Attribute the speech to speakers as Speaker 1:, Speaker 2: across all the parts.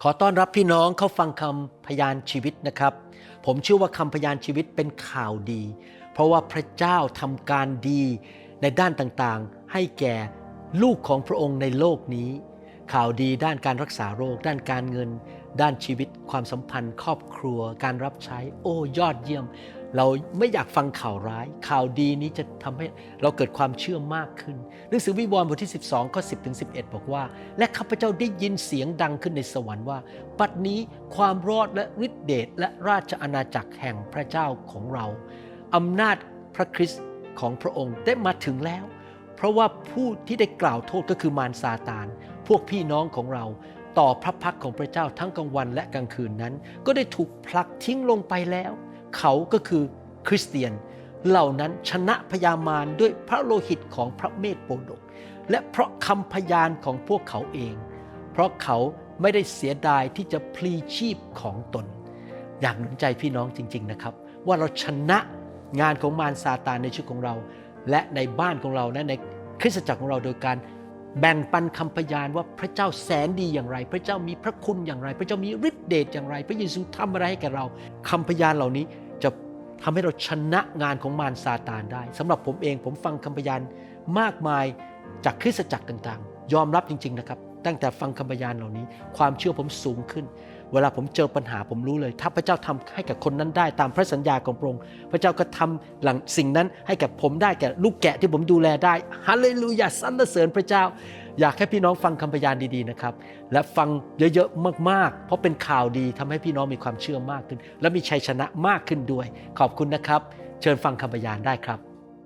Speaker 1: ขอต้อนรับพี่น้องเข้าฟังคำพยานชีวิตนะครับ ผมเชื่อว่าคำพยานชีวิตเป็นข่าวดี เพราะว่าพระเจ้าทำการดีในด้านต่างๆให้แก่ลูกของพระองค์ในโลกนี้ ข่าวดีด้านการรักษาโรค ด้านการเงิน ด้านชีวิตความสัมพันธ์ครอบครัว การรับใช้ โอ้ยอดเยี่ยม เราไม่อยากฟังข่าวร้าย ข่าวดีนี้จะทำให้เราเกิดความเชื่อมากขึ้นหนังสือวิวรณ์บทที่12ข้อ10ถึง11บอกว่าและข้าพเจ้าได้ยินเสียงดังขึ้นในสวรรค์ว่าบัดนี้ความรอดและฤทธิเดชและราชอาณาจักรแห่งพระเจ้าของเราอำนาจพระคริสต์ของพระองค์ได้มาถึงแล้วเพราะว่าผู้ที่ได้กล่าวโทษก็คือมารซาตานพวกพี่น้องของเราต่อพระพักของพระเจ้าทั้งกลางวันและกลางคืนนั้นก็ได้ถูกผลักทิ้งลงไปแล้วเขาก็คือคริสเตียนเหล่านั้นชนะพยามารด้วยพระโลหิตของพระเมธโปรดกและเพราะคำพยานของพวกเขาเองเพราะเขาไม่ได้เสียดายที่จะพลีชีพของตนอยากหนุนใจพี่น้องจริงๆนะครับว่าเราชนะงานของมารซาตานในชีวิตของเราและในบ้านของเราและในคริสตจักรของเราโดยการแบ่งปันคำพยานว่าพระเจ้าแสนดีอย่างไรพระเจ้ามีพระคุณอย่างไรพระเจ้ามีฤทธิเดชอย่างไรพระเยซูทำอะไรให้แก่เราคำพยานเหล่านี้จะทำให้เราชนะงานของมารซาตานได้สำหรับผมเองผมฟังคำพยานมากมายจากคริสตจักรต่างๆยอมรับจริงๆนะครับตั้งแต่ฟังคำพยานเหล่านี้ความเชื่อผมสูงขึ้นเวลาผมเจอปัญหาผมรู้เลยถ้าพระเจ้าทำให้กับคนนั้นได้ตามพระสัญญาของพระองค์พระเจ้าก็ทำหลังสิ่งนั้นให้กับผมได้แก่ลูกแกะที่ผมดูแลได้ฮาเลลูยาสรรเสริญพระเจ้าอยากให้พี่น้องฟังคำพยานดีๆนะครับและฟังเยอะๆมากๆเพราะเป็นข่าวดีทำให้พี่น้องมีความเชื่อมากขึ้นและมีชัยชนะมากขึ้นด้วยขอบคุณนะครับเชิญฟังคำพยานได้ครับ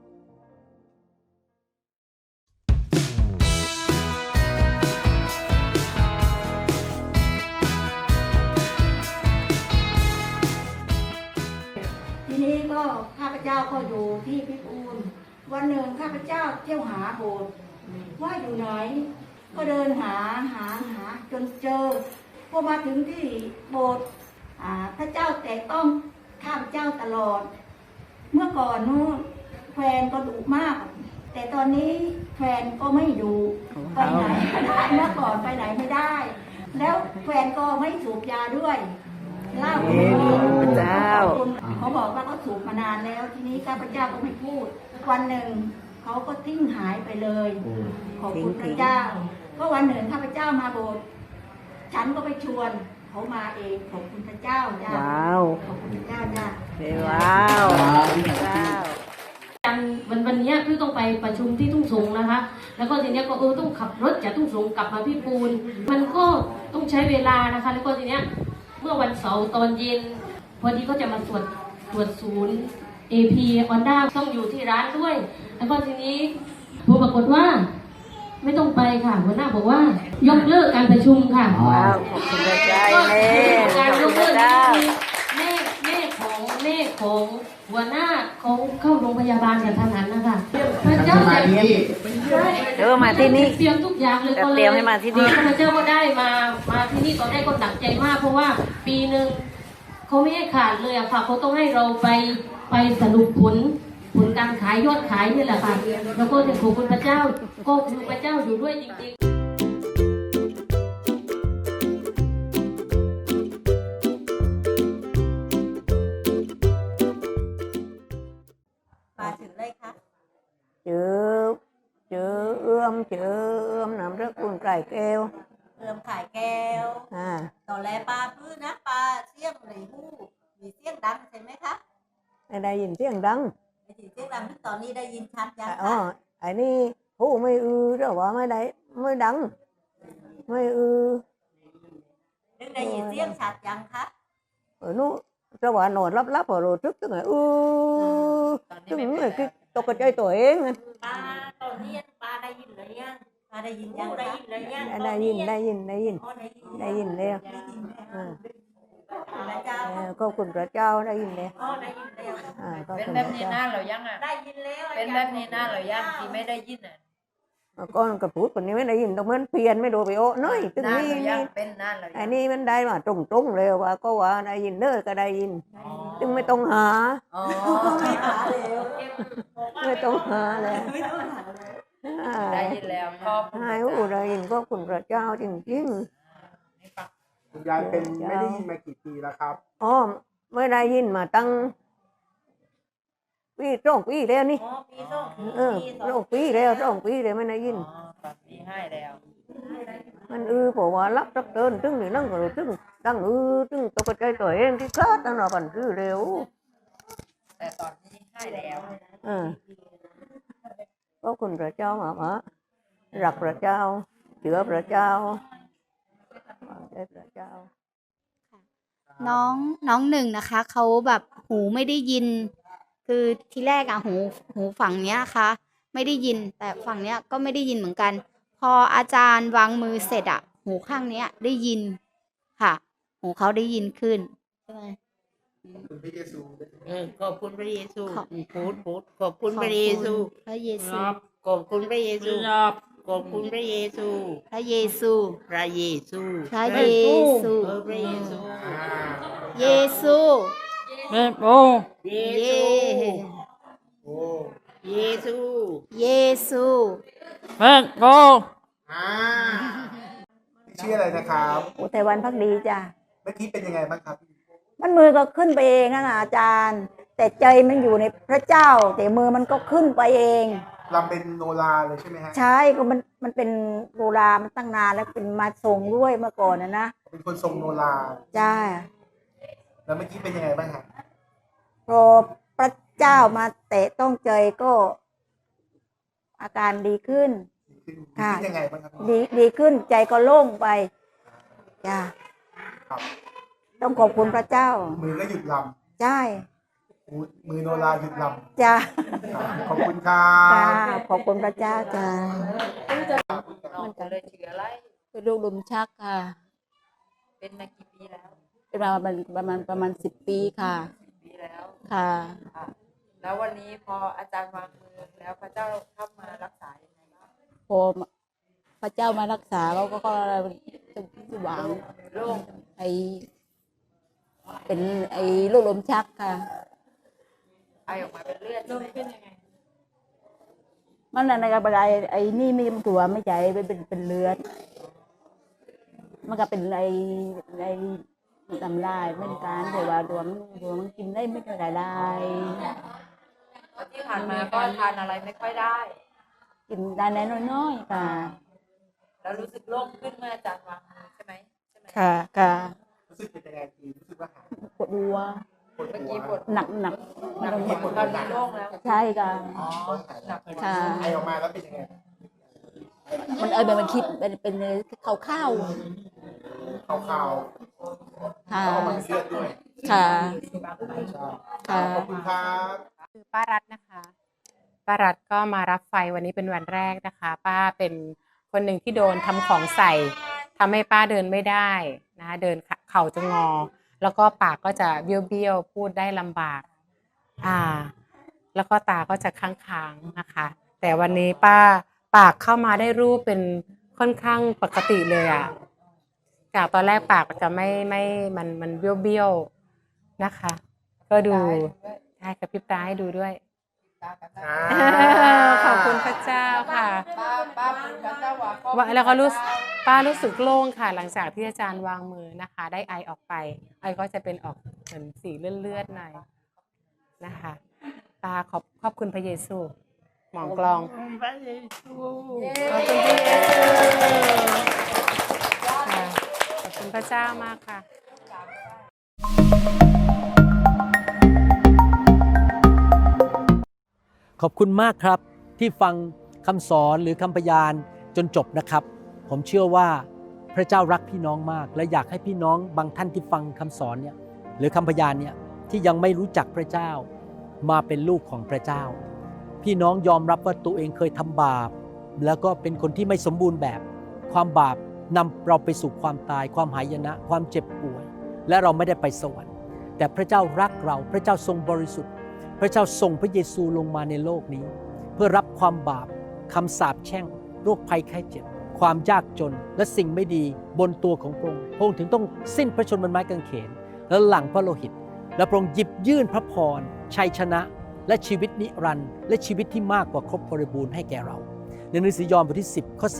Speaker 2: ทีนี้ก็ข้าพเจ้าก็อยู่ที่พิบูลวันหนึ่งข้าพเจ้าเที่ยวหาโบสถ์ว่าอยู่ไหนก็เดินหาจนเจอพอมาถึงที่โบสถ์พระเจ้าแต่ต้องข้าพเจ้าตลอดเมื่อก่อนนู้นแฟนก็ดุมากแต่ตอนนี้แฟนก็ไม่ดุไปไหนไม่ได้เมื่อก่อนไปไหนไม่ได้ แล้วแฟนก็ไม่สูบยาด้วยเล่าพระเจ้าเขาบอกว่าเขาสูบมานานแล้วทีนี้ข้าพเจ้าก็ไม่พูดวันหนึ่งเขาก็ทิ้งหายไปเลยขอบคุณพระเจ้าก็วันหนึ่งข้าพเจ้ามาโบสถ์ฉันก็ไปชวนเขามาเองขอบคุณพระเจ้าจ้าว้าวขอบคุณพระเจ้าจ้า
Speaker 3: ว้าววันนี้พี่ต้องไปประชุมที่ทุ่งสงนะคะ แล้วก็ทีนี้ก็ต้องขับรถจากทุ่งสงกลับมาพี่ปูนมันก็ต้องใช้เวลานะคะแล้วก็ทีนี้เมื่อวันเสาร์ตอนเย็นพอดีก็จะมาตรวจศูนย์ AP Honda ต้องอยู่ที่ร้านด้วยแล้วก็ทีนี้ผมปรากฏว่าไม่ต้องไปค่ะหัวหน้าบอกว่ายกเลิกการประชุมค่ะ
Speaker 2: ว้าวขอบคุณพระเจ้า
Speaker 3: การยกเลิกแม่ของหัวหน้าเขาเข้าโรงพยาบาลกับทหารนะคะพระเจ้ามาที่นี่เตรียมทุกอย่างเลยก็เลยให้มาที่นี่พระเจ้าก็ได้มาที่นี่ตอนแรกก็หนักใจมากเพราะว่าปีหนึ่งเขาไม่ให้ขาดเลยอะค่ะเขาต้องให้เราไปสรุปผลการขายยอดขายนี่แหละค่ะแล้วก็ขอบคุณพระเจ้าก็คือพระเจ้าอยู่ด้วยจริงๆ
Speaker 4: เจอเอื้อมนำรักคุณไก่แก้ว
Speaker 5: เริ่มขายแก้วตอนแรกปลาพื้นนะปลาเสี่ยงในหูมีเสียงดังใช่ไหมคะ
Speaker 4: ได้ยินเสียงดัง
Speaker 5: เสียงดังตอนนี้ได้ยินชัดยัง
Speaker 4: คะไอ้นี่หูไม่หรือว่าไม่ได้ไม่ดังไม่
Speaker 5: ได้ยินเสียงชัดยังคะ
Speaker 4: นู้จะว่านอนรับพอรู้ทึกตึงไงตึงไงตกใจตัวเอง
Speaker 5: ปลาตอนนี้ปลาได้ยินเลยยังปลาได้ยินยังได้ยินเลยยัง
Speaker 4: ได้ยินแล้วก็คุณพระเจ้าได้ยินแล้ว
Speaker 6: เป็นแบบนี้น่าเรายัง
Speaker 5: ได้ยินแล้ว
Speaker 6: เป็นแบบนี้น่าเรายังที่ไม่ได้ยิน
Speaker 4: ก้อนกระปุกคนนี้ไม่ได้ยินตรงนั้นเพียนไม่ดูไปน้อยตึงนี้อันนี้มันได้มาตรงเลยว่าก็ว่าได้ยินเด้อก็ได้ยินตึงไม่ต้องหาไม่ต้องหาแล้ว
Speaker 6: ได้ยินแล้ว
Speaker 4: ให้ได้ยินก็คุณพระเจ้าจริง
Speaker 7: คุณยายเป็นไม่ได้ยินมากี่ปีแล้วครับ
Speaker 4: อ๋อไม่ได้ยินมาตั้งปี2 ปีแล้วนี่
Speaker 6: อ๋อปีสอง
Speaker 4: 2 ปีแล้ว2 ปีแล้วไม่ได้ยิน
Speaker 6: อ๋อตอนปีให้แล้ว
Speaker 4: มันเพราะว่ารักรักเดินตึงนี่นั่งก็ตึงตั้งตึงตกใจตัวเองที่คลาดตั้งนานคือเร็ว
Speaker 6: แต่ตอนนี้ให้แล้ว
Speaker 4: ก็คุณพระเจ้ามารักพระเจ้าเชื่อพระเจ้าได้พระเจ้า
Speaker 8: น้องหนึ่งนะคะเขาแบบหูไม่ได้ยิน คือทีแรกอะหูฝั่งเนี้ยค่ะไม่ได้ยิน แต่ฝั่งเนี้ยก็ไม่ได้ยินเหมือนกัน พออาจารย์วางมือเสร็จอะหูข้างเนี้ยได้ยินค่ะ หูเขาได้ยินขึ้นใช่ไหม
Speaker 7: คุณพระเยซู
Speaker 9: ขอบคุณพระเยซู
Speaker 8: ขอบ
Speaker 9: พูดขอบคุณพระเยซู
Speaker 8: พระเยซู
Speaker 9: ขอบคุณพระเยซูขอบคุณพระเยซู
Speaker 8: พระเยซู
Speaker 9: พระเยซู
Speaker 8: พระเยซู
Speaker 9: พระเยซู
Speaker 8: เยซู
Speaker 9: แม่โอ้เย
Speaker 8: เย
Speaker 7: โอ้
Speaker 9: เยซู
Speaker 8: เยซู
Speaker 9: แม่โอ้
Speaker 7: ชื่ออะไรนะครับ
Speaker 2: อุทัยวันพักดีจ้ะ
Speaker 7: เมื่อกี้เป็นยังไงบ้างครับ
Speaker 2: มันมือก็ขึ้นไปเองนะอาจารย์ แต่ใจมันอยู่ในพระเจ้า แต่มือมันก็ขึ้นไปเอง
Speaker 7: ลำเป็นโนราเลยใช่ไหมฮะ
Speaker 2: ใช่ก็มันเป็นโบราณมันตั้งนานแล้วเป็นมาทรงด้วยเมื่อก่อนนะ
Speaker 7: เป็นคนทรงโนรา
Speaker 2: จ้า
Speaker 7: แล้วเมื่อกี้เป็นยังไงบ้างครับ
Speaker 2: พอพระเจ้ามาแตะต้องใจก็อาการดีขึ้น ค่ะ
Speaker 7: ดีขึ้นยังไงบ้างครับ
Speaker 2: ดีขึ้นใจก็โล่งไปจ้า
Speaker 7: ครับ
Speaker 2: ต้องขอบคุณพระเจ้า
Speaker 7: มือก็หยุดล
Speaker 2: ใช่
Speaker 7: ำมือโนราหยุดล
Speaker 2: จ้า
Speaker 7: ำขอบคุณครั
Speaker 2: จ้า
Speaker 7: บ
Speaker 2: ขอบคุณพระเจ้าจ้า
Speaker 6: น้องก็เลยชื่ออะไร
Speaker 10: เป็นลูกลมชักค่ะ
Speaker 6: เป็นมากี่ปีแล้ว
Speaker 10: เป็นมาประมาณ10 ปีค่ะ
Speaker 6: ปีแล้ว
Speaker 10: ค่ะ
Speaker 6: ค่ะ แล้ววันนี้พออาจารย์วางมือแล้วพระเจ้าเข้ามารักษายังไงบ้าง
Speaker 10: พอพระเจ้ามารักษาเราก็จะหวัง
Speaker 6: โล่ง
Speaker 10: ไอเป็นไอลูกลมชักค่ะ
Speaker 6: ไอออกมาเป็นเลือดใช่ไหมเป็นยังไง
Speaker 10: มันอะไรกับอะไรไอนี่ไม่มันตัวไม่ใจเป็นเลือด มันก็เป็นไอทำลายเหมือนกันแต่ว่าดวงมันกินได้ไม่ได้ได้
Speaker 6: แล้วที่ผ่านมาก็ทานอะไรไม่ค่อยได้
Speaker 10: กินได้น้อยๆค่ะ
Speaker 6: แล้วรู้สึกโล่งขึ้นเมื่ออาจารย์วางมือใช่ไหม
Speaker 10: ค่ะค่ะ
Speaker 7: รู้สึกเป็นยังไงดีรู้สึกว่าหาย
Speaker 10: ปวดหัว
Speaker 7: ปวด
Speaker 6: เมื่อ
Speaker 7: หั
Speaker 6: กี้
Speaker 7: ว
Speaker 6: ปวด
Speaker 10: หนัก
Speaker 6: ตอนนี้โล่งแล้ว
Speaker 10: ใช่ค่ะ
Speaker 6: อ๋อหนัก
Speaker 10: ค่ะ
Speaker 7: ไอออกมาแล้วเป็นยังไง
Speaker 10: มันมันคิดเป็นข้าว
Speaker 7: ขาว
Speaker 10: ค่ะ
Speaker 7: ๆแล้วก็มันเลือดด้วย
Speaker 10: ค่ะ
Speaker 7: ใช่ขอบคุณครับ
Speaker 11: คือป้ารัตน์นะคะป้ารัตน์ก็มารับไฟวันนี้เป็นวันแรกนะคะ ป้าเป็นคนหนึ่งที่โดนทำของใส่ทำให้ป้าเดินไม่ได้นะคะเดินเข่าจะงอ แล้วก็ปากก็จะเบี้ยวๆพูดได้ลำบากแล้วก็ตาก็จะค้างๆนะคะ แต่วันนี้ป้าปากเข้ามาได้รูปเป็นค่อนข้างปกติเลยอะจากตอนแรกปากจะไม่มันเบี้ยวๆนะคะ ก็ดูใช่กับพริบตาให้ดูด้วย ขอบคุณพระเจ้าค่ะ
Speaker 6: ป้าพูดพระเจ้าว่าก็
Speaker 11: ว่าแล้วก็ป้ารู้สึกโล่งค่ะ หลังจากที่อาจารย์วางมือนะคะ ได้ไอออกไป ไอก็จะเป็นออกเหมือนสีเลือดๆหน่อยนะคะป้าขอบคุณพระเยซูหมองกลองขอบคุณพระเยซูค่ะขอบคุณพระเจ้ามากค่ะ
Speaker 1: ขอบคุณมากครับที่ฟังคำสอนหรือคำพยานจนจบนะครับ ผมเชื่อว่าพระเจ้ารักพี่น้องมาก และอยากให้พี่น้องบางท่านที่ฟังคำสอนเนี่ยหรือคำพยานเนี่ยที่ยังไม่รู้จักพระเจ้ามาเป็นลูกของพระเจ้า พี่น้องยอมรับว่าตัวเองเคยทำบาปแล้วก็เป็นคนที่ไม่สมบูรณ์แบบ ความบาปนำเราไปสู่ความตายความหายนะความเจ็บป่วยและเราไม่ได้ไปสวรรค์แต่พระเจ้ารักเราพระเจ้าทรงบริสุทธิ์พระเจ้าส่งพระเยซูลงมาในโลกนี้เพื่อรับความบาปคำสาปแช่งโรคภัยไข้เจ็บความยากจนและสิ่งไม่ดีบนตัวของพระองค์พระองค์ถึงต้องสิ้นพระชนม์บนไม้กางเขนและหลั่งพระโลหิตและพระองค์หยิบยื่นพระพรชัยชนะและชีวิตนิรันดร์และชีวิตที่มากกว่าครบบริบูรณ์ให้แก่เราในหนังสือยอห์นบทที่10ข้อ10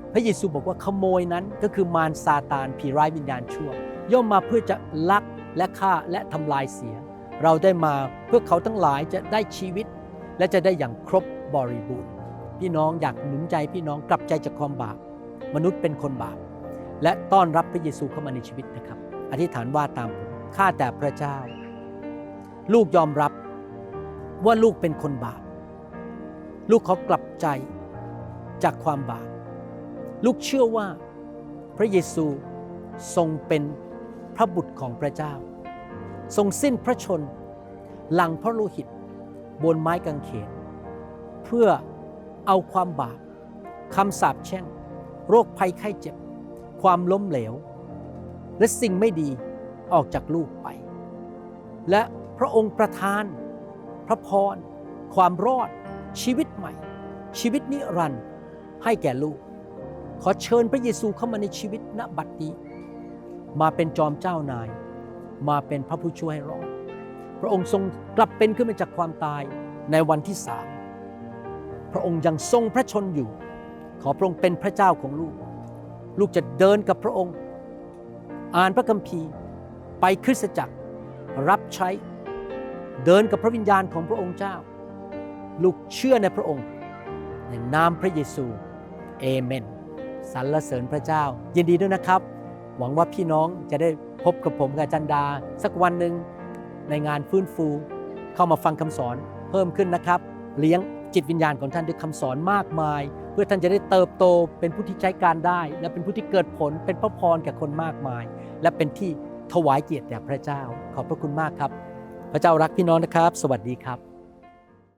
Speaker 1: พระเยซูบอกว่าขโมยนั้นก็คือมารซาตานผีร้ายวิญญาณชั่วย่อมมาเพื่อจะลักและฆ่าและทำลายเสียเราได้มาเพื่อเขาทั้งหลายจะได้ชีวิตและจะได้อย่างครบบริบูรณ์พี่น้องอยากหนุนใจพี่น้องกลับใจจากความบาปมนุษย์เป็นคนบาปและต้อนรับพระเยซูเข้ามาในชีวิตนะครับอธิษฐานว่าตามผมข้าแต่พระเจ้าลูกยอมรับว่าลูกเป็นคนบาปลูกขอกลับใจจากความบาปลูกเชื่อว่าพระเยซูทรงเป็นพระบุตรของพระเจ้าทรงสิ้นพระชนม์หลั่งพระโลหิตบนไม้กางเขนเพื่อเอาความบาปคำสาปแช่งโรคภัยไข้เจ็บความล้มเหลวและสิ่งไม่ดีออกจากลูกไปและพระองค์ประทานพระพรความรอดชีวิตใหม่ชีวิตนิรันดร์ให้แก่ลูกขอเชิญพระเยซูเข้ามาในชีวิตณบัดนี้มาเป็นจอมเจ้านายมาเป็นพระผู้ช่วยให้รอดพระองค์ทรงกลับเป็นขึ้นมาจากความตายในวันที่3พระองค์ยังทรงพระชนอยู่ขอพระองค์เป็นพระเจ้าของลูกลูกจะเดินกับพระองค์อ่านพระคัมภีร์ไปคริสตจักรรับใช้เดินกับพระวิญญาณของพระองค์เจ้าลูกเชื่อในพระองค์ในนามพระเยซูเอเมนสรรเสริญพระเจ้ายินดีด้วยนะครับหวังว่าพี่น้องจะได้พบกับผมกับอาจารย์ดาสักวันหนึ่งในงานฟื้นฟูเข้ามาฟังคำสอนเพิ่มขึ้นนะครับเลี้ยงจิตวิญญาณของท่านด้วยคำสอนมากมายเพื่อท่านจะได้เติบโตเป็นผู้ที่ใช้การได้และเป็นผู้ที่เกิดผลเป็นพระพรแก่คนมากมายและเป็นที่ถวายเกียรติแด่พระเจ้าขอบพระคุณมากครับพระเจ้ารักพี่น้องนะครับสวัสดีครับ